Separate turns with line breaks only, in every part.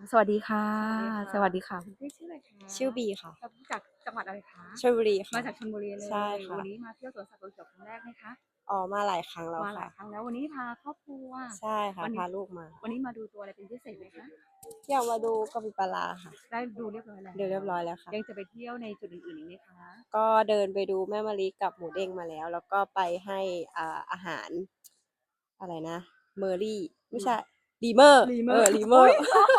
สวัสดีค่ะ
สวัสดีค่ะ
คุณพี่ชื่ออะไรคะ
ชื่อบีค่ะ
จากจังหวัดอะไรคะ
ชลบุรีค่ะ
มาจากชลบุรีเลย
ใช่ค่ะ
วันนี้มาเที่ยวสวนสัตว์เขาเขียวครั้งแรกไหมคะ
อ๋อ มาหลายครั้งแล้ว
มาหลา
ค่ะ
ยครั้งแล้ว วันนี้พาครอบครัว
ใช่ค่ะ
วันนี้
พาลูกมา
วันนี้มาดูตัวอะไรเป็นพิเศษไหมคะ?
อยากมาดูกะปิปลาร้าค่ะ
ได้ดูเรียบร้อยแล้ว
ดูเรียบร้อยแล้วค่ะ
ยังจะไปเที่ยวในจุดอื่นๆอีกไหมคะ?
ก็เดินไปดูแม่มะลิกับหมูเด้งมาแล้ว แล้วก็ไปให้อาหาร อะไรนะ เมอรี่ ไม่ใช่ ลีเมอร์
ลีเม
เอ
อร์
อ ลีเมอร์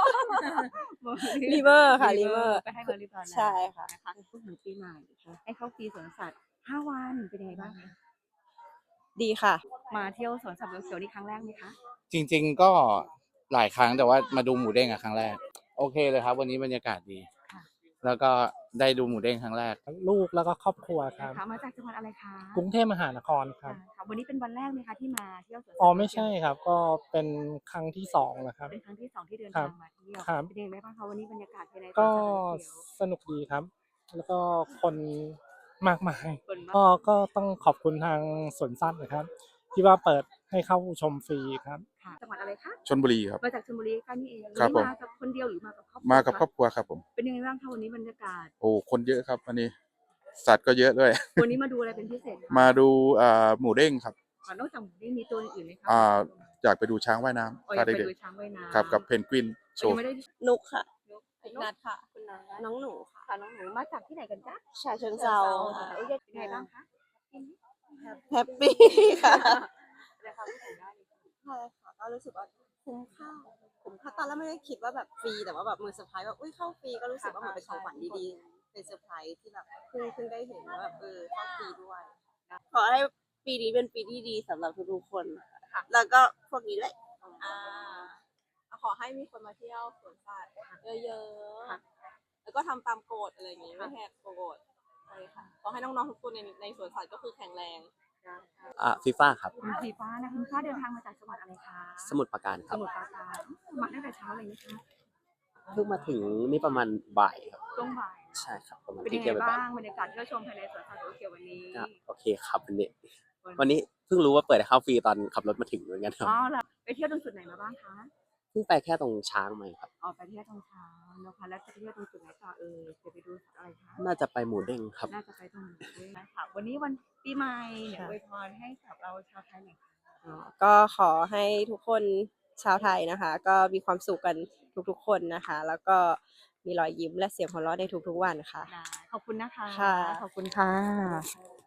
ลีเมอร์ค่ะ ลี
ลี
เม
เม
อ
อ
ร์
ร์ไปให้เขาเรียบร้อยแล้ว
ใช่ค่ะ
นะคะ พูดถึงปีใหม่ ให้เข้าฟรีสวนสัตว์ 5 วันเป็นยังไงบ้างคะ?
ดีค่ะ
มาเที่ยวสวนสัตว์เขาเขียวนี่ครั้งแรกไหมคะ?
จริง ๆ ก็หลายครั้ง แต่ว่ามาดูหมูเด้งอะครั้งแรก โอเคเลยครับ วันนี้บรรยากาศดี
ค่ะ
แล้วก็ได้ดูหมูเด้งครั้งแรก
ทั้งลูกแล้วก็ครอบครัวค
นะ
รับ
คะ มาจากจังหวัดอะไรคะ?
กรุงเทพมหานครครับ
ค่ะ วันนี้เป็นวันแรกไหมคะที่มาเที่ยวสวนสัตว์
อ๋อ
เขา
ไม่
เขี
ใช่
ยว?
ครับ ก็เป็นครั้งที่ 2 แล้วครับ
เป็นครั้งที่ 2 ที่เดิน
ครั
ทา
บ
งมาเที่ยว
ครับ
เป็นยังไงบ้างคะ วันนี้บรรยากาศภายในส
ก
วน็สัตว์เขาเขียว?
สนุกดีครับ แล้วก็คนมากมาย
คนมาก
ก็ต้องขอบคุณทางสวนสัตว์นะครับ ที่ว่าเปิดให้เข้าชมฟรีครับ
ค่ะ จังหวัดอะไรคะ?
ชลบุรีครับ
มาจากชลบุรีใกล้นี่เอง
ครับผม
วันนี้มากับคนเดียวหรือมากับครอบครัว
มากับ
คะ?
ครอบครัวครับผม
เป็นยังไงบ้างคะวันนี้บรรยากาศ?
โอ้ คนเยอะครับวันนี้ สัตว์ก็เยอะด้วย
วันนี้มาดูอะไรเป็นพิเศษคะ?
มาดู หมูเด้งครับ
ค่ะ นอกจากหมูเด้งมีตัวอื่นๆไหมคะ?
อยากไปดูช้างว่ายน้
อ๋อ
ำ
อยาก
พา
ไป
เด็ก
ดูช้างว่ายน้ำ
ๆ ครับ กับเพนกวินโช
ยั
ว์
งไม่ได้
นุกค่ะ
นุก
นัดค่ะ
คุณนัท
น้องหนูค่ะ
ค่ะ น้องหนูมาจากที่ไหนกันจ๊ะ?
ฉะเชิงเทรา
ค่ะ
ค่ะ
โอเค เป็นไงบ้างคะ?
แฮปปี ค่ะ
แสดงความคิดเห็นได้เลยค่ะ
ใช่ค่ะ ก็รู้สึกว่าคุ้มค่า คุ้มค่า ตอนแรกไม่ได้คิดว่าแบบฟรี แต่ว่าแบบมือเซอร์ไพรส์ว่า อุ๊ย เข้าฟรี ก็รู้สึกว่าเหมือนเป็นของขวัญดีๆ เป็นเซอร์ไพรส์ที่แบบเพิ่งได้เห็นว่าแบบ เข้าฟรีด้วย ขอให้ปีนี้เป็นปีที่ดีสำหรับทุกๆคนค่ะ แล้วก็พวกนี้ด้วย
ขอให้มีคนมาเที่ยวสวนสัตว์เยอะ
ค่ะ
ๆ แล้วก็ทำตามกฎอะไรอย่างงี้ ไม่แหกกฎ ใช่ค่ะ ขอให้น้องๆทุกคนในสวนสัตว์ก็คือแข็งแรง
ฟีฟ่าครับ
คุณสีฟ้านะ คุณฟ้าเดินทางมาจากจังหวัดอะไรคะ
สมุทรปราการค
ส
รับ
มุทรปราการ มาตั้งแต่เช้าเลยไหมคะ
เพิ่งมาถึงนี่ประมาณบ่ายครับ
ช่วงบ่าย
ใช่ครับ ประมาณ
เป็น
ที่
ยังไง
เที่ยว
บ้า
บ่าย
งบรรยากาศเที่ยวชมภายในสวนสัตว์เขาเขียววันนี้?
ก็โอเคครับวันนี้เพิ่งรู้ว่าเปิดให้เข้าฟรีตอนขับรถมาถึงเหมือนกันครับ
อ๋อ เหรอ ไปเที่ยวตรงจุดไหนมาบ้างคะ?
เพิ่งไปแค่ตรงช้างมาครับ
อ๋อ ไปเที่ยวตรงช้างนะคะ แล้วจะไปเที่ยวตรงจุดไหนต่อเอ่ย? จะไปดูสัตว์อะไรคะ?
น่าจะไปหมูเด้งครับ
น่าจะไปตรงหมูเด้งนะคะ วันนี้วันปีใหม่ เดี๋ยว
ค่ะ
อวยพรให้กับเราชาวไทยหน่อยค่ะ
ก็ขอให้ทุกคนชาวไทยนะคะ ก็มีความสุขกันทุกๆคนนะคะ แล้วก็มีรอยยิ้มและเสียงหัวเราะในทุกๆวันค่ะ
ได้ ขอบคุณนะคะ
ค่ะ
ขอบคุณค่ะ